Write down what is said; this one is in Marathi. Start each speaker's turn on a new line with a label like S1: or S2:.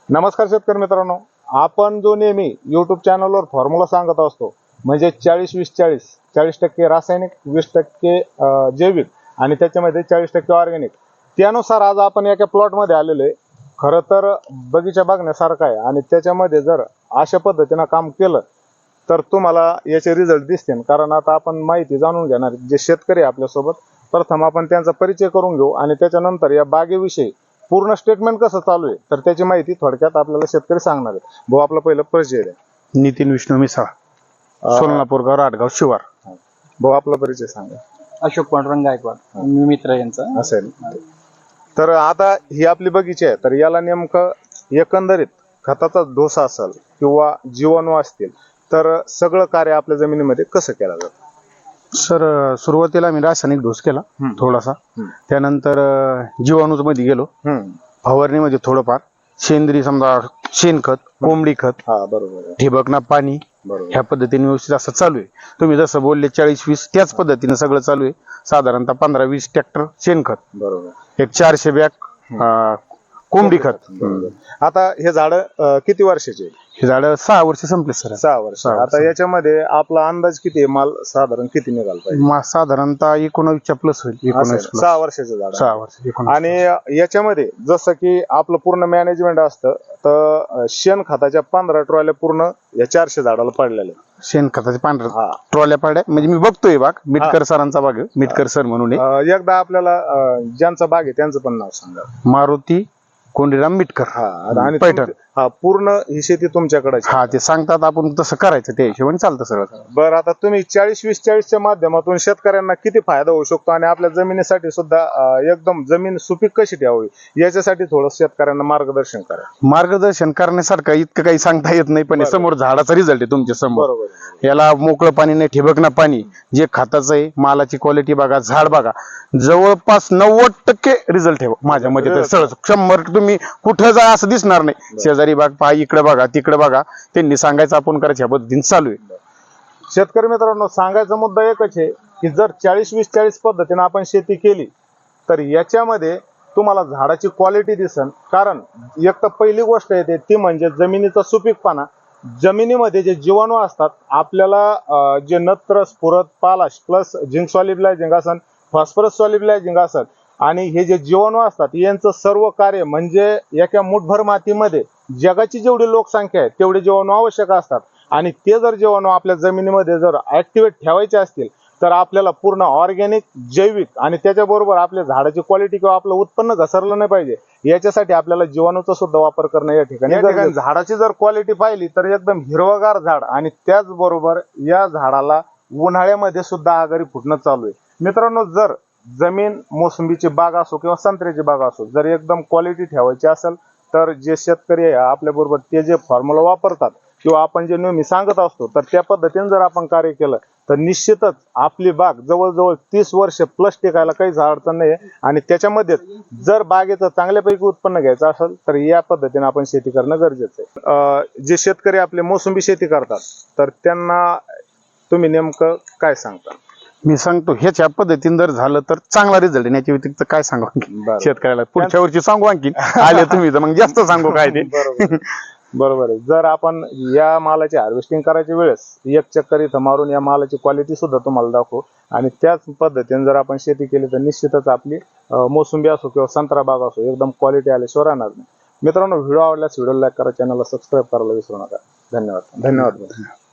S1: नमस्कार शेतकरी मित्रांनो, आपण जो नेहमी YouTube चॅनलवर फॉर्म्युला सांगत असतो म्हणजे 40-20-40, 40% रासायनिक, 20% जैविक आणि त्याच्यामध्ये 40% ऑर्गॅनिक, त्यानुसार आज आपण एका प्लॉटमध्ये आलेलो आहे. खरं तर बगीचा बघण्यासारखा आहे आणि त्याच्यामध्ये जर अशा पद्धतीने काम केलं तर तुम्हाला याचे रिझल्ट दिसतील. कारण आता आपण माहिती जाणून घेणार जे शेतकरी आपल्यासोबत, प्रथम आपण त्यांचा परिचय करून घेऊ आणि त्याच्यानंतर या बागेविषयी पूर्ण स्टेटमेंट कसं चालू आहे तर त्याची माहिती थोडक्यात आपल्याला शेतकरी सांगणार आहे. भाऊ आपला पहिलं परिचय द्या.
S2: नितीन विष्णू मिसाळ, सोलापूर गाव, राटगाव शिवार.
S1: भाऊ आपला परिचय सांगा.
S3: अशोक पांडुरंग गायकवाड, मी मित्र यांचा
S1: असेल. तर आता ही आपली बगीचा आहे, तर याला नेमकं एकंदरीत खताचा डोसा असेल किंवा जीवाणू असतील तर सगळं कार्य आपल्या जमिनीमध्ये कसं केलं जातं?
S2: सर, सुरुवातीला मी रासायनिक डोस केला थोडासा. त्यानंतर जीवाणूच मध्ये गेलो. फवारणीमध्ये थोडंफार सेंद्रिय, समजा शेणखत, कोंबडी खत,
S1: हा बरोबर आहे.
S2: ठिबकना पाणी,
S1: बरोबर.
S2: ह्या पद्धतीने व्यवस्थित असं चालू आहे. तुम्ही जसं बोलले 40-20 त्याच पद्धतीने सगळं चालू आहे. साधारणतः 15-20 ट्रॅक्टर शेणखत,
S1: बरोबर.
S2: एक 400 बॅग कोंबडी खत.
S1: बरोबर. आता हे झाड किती वर्षाचे आहे?
S2: हे झाड 6 वर्ष संपले सर.
S1: 6 वर्ष. आता याच्यामध्ये आपला अंदाज किती आहे? माल साधारण किती निघाला पाहिजे?
S2: साधारणतः 19च्या प्लस होईल. 19 plus.
S1: 6 वर्षाचं झाड.
S2: 6 वर्ष 19.
S1: आणि याच्यामध्ये जसं की आपलं पूर्ण मॅनेजमेंट असतं तर शेण खताच्या 15 ट्रॉल्या पूर्ण या 400 झाडाला पडलेल्या.
S2: शेणखताचे
S1: हा.
S2: 15 ट्रॉल्या पाड्या, म्हणजे मी बघतोय बाग, मिटकर सरांचा बाग आहे. मिटकर सर म्हणून आहे.
S1: एकदा आपल्याला ज्यांचा बाग आहे त्यांचं पण नाव सांगा.
S2: मारुती कोंडीराम मिटकर.
S1: आणि
S2: पैठण.
S1: पूर्ण ही शेती तुमच्याकडे.
S2: हा, ते सांगतात आपण तसं करायचं, त्या हिशोबाने चालतं सगळं.
S1: बरं, आता तुम्ही 40-20-40च्या माध्यमातून शेतकऱ्यांना किती फायदा होऊ शकतो आणि आपल्या जमिनीसाठी सुद्धा एकदम जमीन सुपीक कशी ठेवावी याच्यासाठी थोडं शेतकऱ्यांना मार्गदर्शन करा.
S2: मार्गदर्शन करण्यासारखं इतकं काही सांगता येत नाही, पण हे समोर झाडाचा रिझल्ट आहे तुमच्या समोर.
S1: बरोबर.
S2: याला मोकळं पाणी नाही, ठिबक ना पाणी, जे खताचं आहे, मालाची क्वालिटी बघा, झाड बघा, जवळपास 90% रिझल्ट आहे माझ्या मते. तर सहज 100 तुम्ही कुठं जा असं दिसणार नाही. शेजारी बाग पहा, इकडे बघा, तिकडे बघा, त्यांनी सांगायचं आपण करायचं, ह्या पद्धतीने चालू आहे.
S1: शेतकरी मित्रांनो, सांगायचा मुद्दा एकच आहे की जर 40-20-40 पद्धतीने आपण शेती केली तर याच्यामध्ये तुम्हाला झाडाची क्वालिटी दिसन. कारण एक तर पहिली गोष्ट येते ती म्हणजे जमिनीचा सुपीकपणा. जमिनीमध्ये जे जीवाणू असतात आपल्याला जे नत्र, स्फुरद, पालाश प्लस झिंक सॉल्युबलायझिंग असन, फॉस्फरस सॉल्युबलायझिंग असन आणि हे जे जीवाणू असतात यांचं सर्व कार्य म्हणजे एका मुठभर मातीमध्ये जगाची जेवढी लोकसंख्या आहे तेवढे जीवाणू आवश्यक असतात. आणि ते जर जीवाणू आपल्या जमिनीमध्ये जर ऍक्टिव्हेट ठेवायचे असतील तर आपल्याला पूर्ण ऑर्गॅनिक, जैविक आणि त्याच्याबरोबर आपल्या झाडाची क्वालिटी किंवा आपलं उत्पन्न घसरलं नाही पाहिजे याच्यासाठी आपल्याला जीवाणूचा सुद्धा वापर करणं या ठिकाणी. झाडाची जर क्वालिटी पाहिली तर एकदम हिरवगार झाड आणि त्याचबरोबर या झाडाला उन्हाळ्यामध्ये सुद्धा आघारी फुटणं चालू आहे. मित्रांनो, जर जमीन मोसंबीची बाग असो किंवा संत्र्याची बाग असो, जर एकदम क्वालिटी ठेवायची असेल तर जे शेतकरी आहे आपल्या बरोबर ते जे फॉर्म्युला वापरतात किंवा आपण जे नेहमी सांगत असतो तर त्या पद्धतीने जर आपण कार्य केलं तर निश्चितच आपली बाग जवळजवळ 30 वर्ष प्लस टिकायला काहीच अडचण नाही. आणि त्याच्यामध्ये जर बागेचं चांगल्यापैकी उत्पन्न घ्यायचं असेल तर या पद्धतीने आपण शेती करणं गरजेचं आहे. जे शेतकरी आपले मोसंबी शेती करतात तर त्यांना तुम्ही नेमकं काय सांगता?
S2: मी सांगतो, ह्याच्या पद्धतीने जर झालं तर चांगला रिझल्ट आहे. याच्या व्यतिरिक्त काय सांगू आणखी शेतकऱ्याला? पुढच्या वर्षी सांगू आणखी आले तुम्ही तर मग जास्त सांगू काय ते.
S1: बरोबर आहे. जर आपण या मालाची हार्वेस्टिंग करायच्या वेळेस एक चक्कर इथं मारून या मालाची क्वालिटी सुद्धा तुम्हाला दाखवू आणि त्याच पद्धतीने जर आपण शेती केली तर निश्चितच आपली मोसंबी असो किंवा संत्रा बाग असो एकदम क्वालिटी आल्याशिवाय राहणार नाही. मित्रांनो, व्हिडिओ आवडल्यास व्हिडिओ लाईक करा, चॅनलला सबस्क्राईब करायला विसरू नका. धन्यवाद.